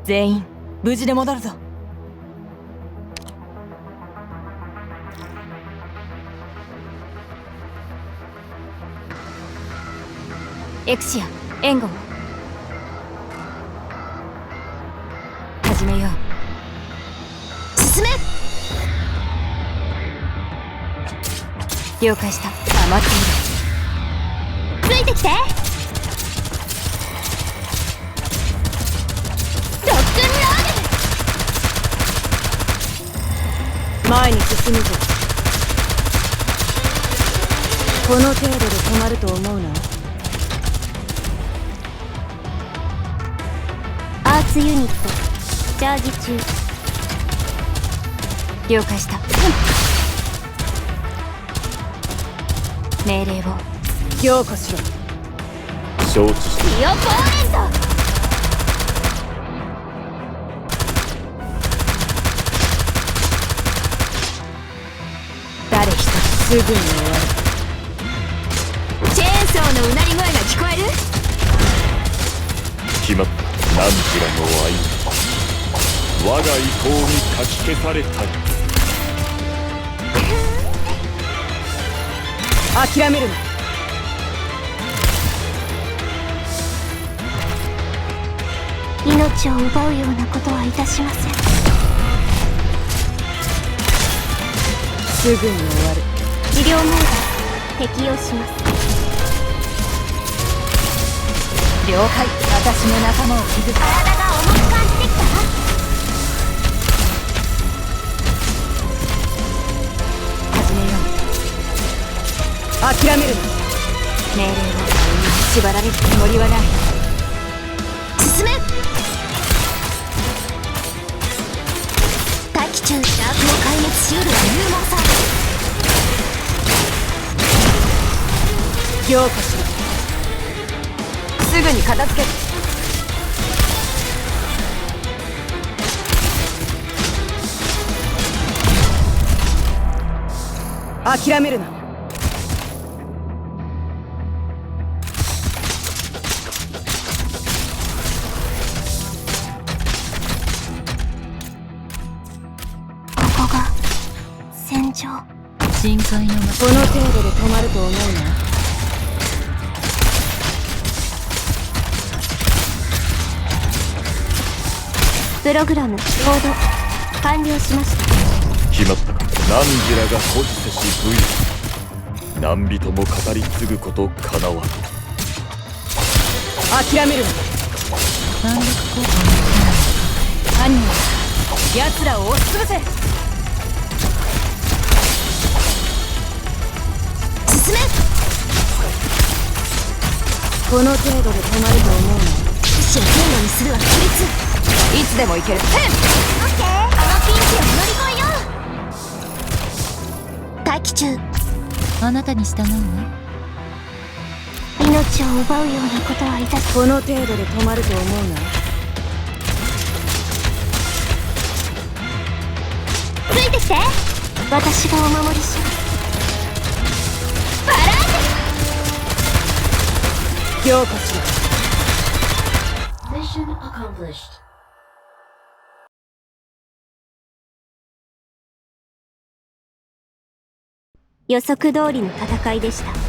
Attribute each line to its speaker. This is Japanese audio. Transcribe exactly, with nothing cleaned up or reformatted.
Speaker 1: 全員無事で戻るぞ。エクシア、援護を始めよう。進め。了解した。黙っている。ついてきて。ロックンロール。前に進むぞ。この程度で止まると思うな。
Speaker 2: アーツユニットチャージ中。
Speaker 1: 了解した。命令を強固しろ。
Speaker 3: 承知した。
Speaker 2: ディオポーレント。
Speaker 1: 誰一つすぐに終わる。チェーンソーのうなり声が聞こえる。
Speaker 3: 決まった。ナンジラの愛、我が意向にかき消されたい。
Speaker 1: 諦めるな。
Speaker 2: 命を奪うようなことはいたしません。
Speaker 1: すぐに終わる。
Speaker 2: 治療モード適用します。
Speaker 1: 了解。私の仲間を傷つけ。
Speaker 2: 体が重く感じてきた。
Speaker 1: 始めよう。諦めるな。命令を縛られるつもりはない。
Speaker 2: 進め。大気中シャークを壊滅しうるは勇猛さ。
Speaker 1: 強固しろ。すぐに片付ける。諦めるな。
Speaker 2: ここが戦場。
Speaker 1: 深海のこの程度で止まると思うな。
Speaker 2: プログラムロード完了しました。
Speaker 3: 決まったか。ナンジラが保持せし武勇、何人も語り継ぐことかなわぬ。
Speaker 1: 諦めるな。反撃効果も犯人は奴らを押しつぶせ。
Speaker 2: 進め。
Speaker 1: この程度で止まると思うな。
Speaker 2: 一種の言語にするは規律。
Speaker 1: いつでも行ける。
Speaker 2: オッケー。あのピンチを乗り越えよう。待機中。
Speaker 1: あなたに従うわ。
Speaker 2: 命を奪うようなことはいたし。
Speaker 1: この程度で止まると思うな。
Speaker 2: ついてきて。私がお守りします。バランス。
Speaker 1: 強固しろ。
Speaker 4: Mission accomplished.
Speaker 2: 予測通りの戦いでした。